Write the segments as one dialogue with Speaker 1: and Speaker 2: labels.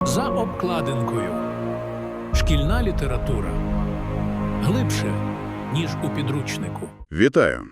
Speaker 1: За обкладинкою. Шкільна література. Глибше, ніж у підручнику.
Speaker 2: Вітаю!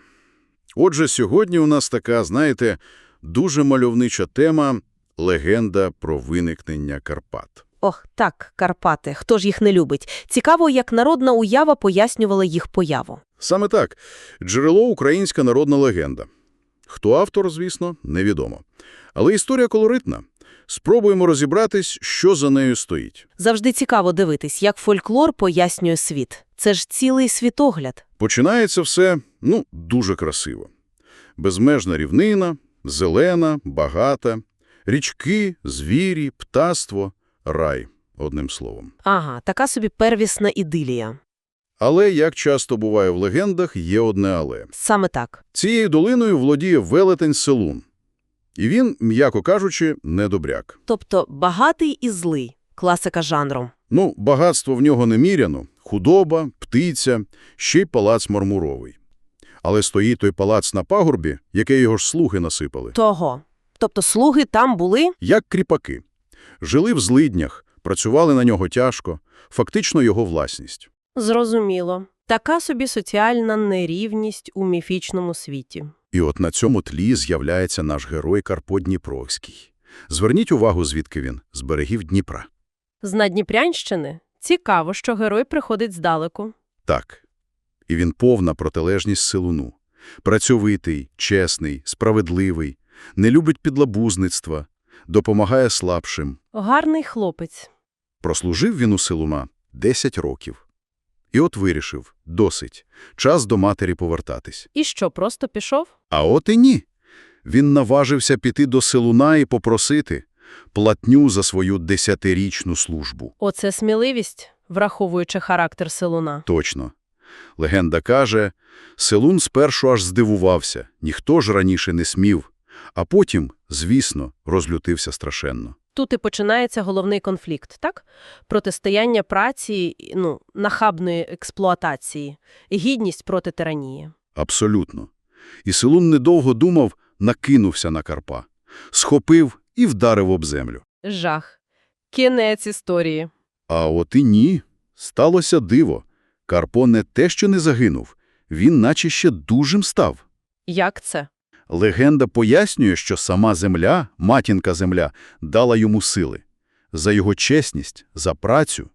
Speaker 2: Отже, сьогодні у нас така, знаєте, дуже мальовнича тема – легенда про виникнення Карпат.
Speaker 3: Ох, так, Карпати. Хто ж їх не любить? Цікаво, як народна уява пояснювала їх появу.
Speaker 2: Саме так. Джерело – українська народна легенда. Хто автор, звісно, невідомо. Але історія колоритна. Спробуємо розібратись, що за нею стоїть.
Speaker 3: Завжди цікаво дивитись, як фольклор пояснює світ. Це ж цілий світогляд.
Speaker 2: Починається все, дуже красиво. Безмежна рівнина, зелена, багата, річки, звірі, птаство, рай, одним словом.
Speaker 3: Ага, така собі первісна ідилія.
Speaker 2: Але, як часто буває в легендах, є одне але.
Speaker 3: Саме так.
Speaker 2: Цією долиною володіє велетень Селун. І він, м'яко кажучи, недобряк.
Speaker 3: Тобто багатий і злий. Класика жанру.
Speaker 2: Багатство в нього неміряно. Худоба, птиця, ще й палац мармуровий. Але стоїть той палац на пагорбі, який його ж слуги насипали.
Speaker 3: Того. Тобто слуги там були?
Speaker 2: Як кріпаки. Жили в злиднях, працювали на нього тяжко, фактично його власність.
Speaker 3: Зрозуміло. Така собі соціальна нерівність у міфічному світі.
Speaker 2: І от на цьому тлі з'являється наш герой Карпо Дніпровський. Зверніть увагу, звідки він – з берегів Дніпра.
Speaker 3: З Надніпрянщини? Цікаво, що герой приходить здалеку.
Speaker 2: Так. І він повна протилежність Селуну. Працьовитий, чесний, справедливий, не любить підлабузництва, допомагає слабшим.
Speaker 3: Гарний хлопець.
Speaker 2: Прослужив він у Селуна 10 років. І от вирішив – досить, час до матері повертатись.
Speaker 3: І що, просто пішов?
Speaker 2: А от і ні. Він наважився піти до Селуна і попросити платню за свою 10-річну службу.
Speaker 3: Оце сміливість, враховуючи характер Селуна.
Speaker 2: Точно. Легенда каже, Селун спершу аж здивувався, ніхто ж раніше не смів, а потім, звісно, розлютився страшенно.
Speaker 3: Тут і починається головний конфлікт, так? Протистояння праці, нахабної експлуатації, гідність проти тиранії.
Speaker 2: Абсолютно. І Селун недовго думав, накинувся на Карпа. Схопив і вдарив об землю.
Speaker 3: Жах. Кінець історії.
Speaker 2: А от і ні. Сталося диво. Карпо не те, що не загинув, він наче ще дужим став.
Speaker 3: Як це?
Speaker 2: Легенда пояснює, що сама земля, матінка-земля, дала йому сили. За його чесність, за працю.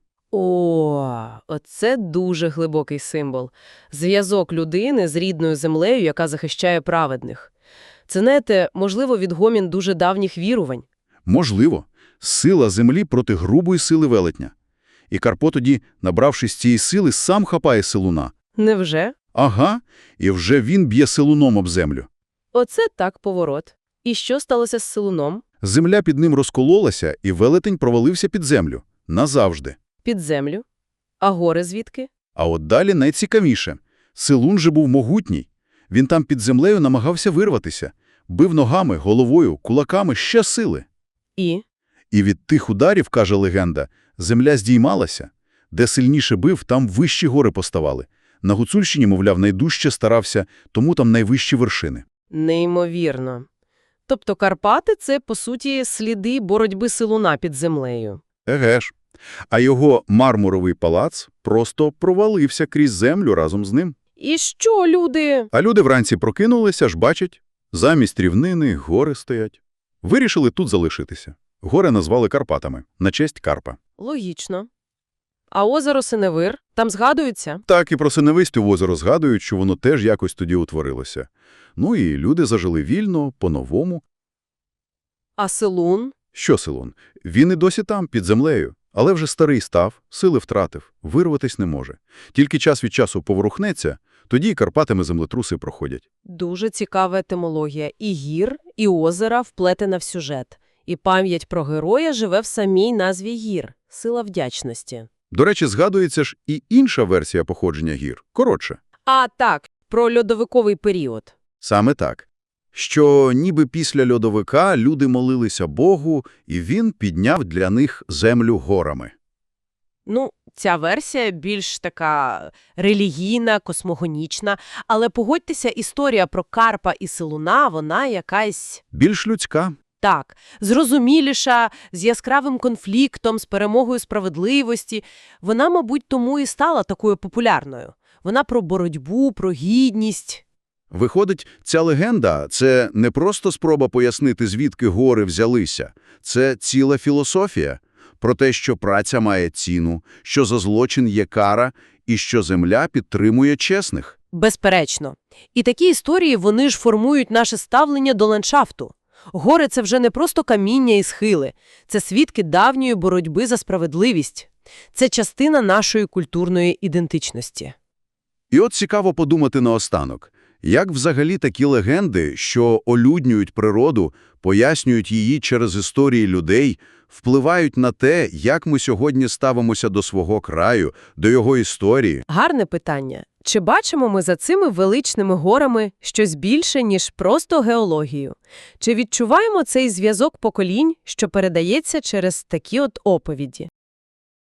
Speaker 3: Оце дуже глибокий символ. Зв'язок людини з рідною землею, яка захищає праведних. Це, знаєте, можливо, відгомін дуже давніх вірувань.
Speaker 2: Можливо. Сила землі проти грубої сили велетня. І Карпо тоді, набравшись цієї сили, сам хапає Селуна.
Speaker 3: Невже?
Speaker 2: Ага, і вже він б'є Селуном об землю.
Speaker 3: Оце так поворот. І що сталося з Селуном?
Speaker 2: Земля під ним розкололася, і велетень провалився під землю. Назавжди.
Speaker 3: Під землю? А гори звідки?
Speaker 2: А от далі найцікавіше. Селун же був могутній. Він там під землею намагався вирватися. Бив ногами, головою, кулаками ще сили.
Speaker 3: І
Speaker 2: від тих ударів, каже легенда, земля здіймалася. Де сильніше бив, там вищі гори поставали. На Гуцульщині, мовляв, найдужче старався, тому там найвищі вершини.
Speaker 3: неймовірно. Тобто Карпати – це, по суті, сліди боротьби Селуна під землею.
Speaker 2: Еге ж. А його мармуровий палац просто провалився крізь землю разом з ним.
Speaker 3: І що люди?
Speaker 2: А люди вранці прокинулися, ж бачать, замість рівнини гори стоять. Вирішили тут залишитися. Гори назвали Карпатами, на честь Карпа.
Speaker 3: Логічно. А озеро Синевир? Там згадується?
Speaker 2: Так і про Синевистю озеро згадують, що воно теж якось тоді утворилося. І люди зажили вільно, по-новому.
Speaker 3: А Селун?
Speaker 2: Що Селун? Він і досі там, під землею. Але вже старий став, сили втратив, вирватись не може. Тільки час від часу поворухнеться, тоді і Карпатами землетруси проходять.
Speaker 3: Дуже цікава етимологія. І гір, і озера вплетена в сюжет. І пам'ять про героя живе в самій назві гір – сила вдячності.
Speaker 2: До речі, згадується ж і інша версія походження гір, коротше.
Speaker 3: А, так, про льодовиковий період.
Speaker 2: Саме так. Що ніби після льодовика люди молилися Богу, і він підняв для них землю горами.
Speaker 3: Ця версія більш така релігійна, космогонічна, але погодьтеся, історія про Карпа і Селуна, вона якась…
Speaker 2: Більш людська.
Speaker 3: Так, зрозуміліша, з яскравим конфліктом, з перемогою справедливості. Вона, мабуть, тому і стала такою популярною. Вона про боротьбу, про гідність.
Speaker 2: Виходить, ця легенда – це не просто спроба пояснити, звідки гори взялися. Це ціла філософія про те, що праця має ціну, що за злочин є кара і що земля підтримує чесних.
Speaker 3: Безперечно. І такі історії, вони ж формують наше ставлення до ландшафту. Гори – це вже не просто каміння і схили. Це свідки давньої боротьби за справедливість. Це частина нашої культурної ідентичності.
Speaker 2: І от цікаво подумати наостанок. Як взагалі такі легенди, що олюднюють природу, пояснюють її через історії людей, впливають на те, як ми сьогодні ставимося до свого краю, до його історії?
Speaker 3: Гарне питання. Чи бачимо ми за цими величними горами щось більше, ніж просто геологію? Чи відчуваємо цей зв'язок поколінь, що передається через такі от оповіді?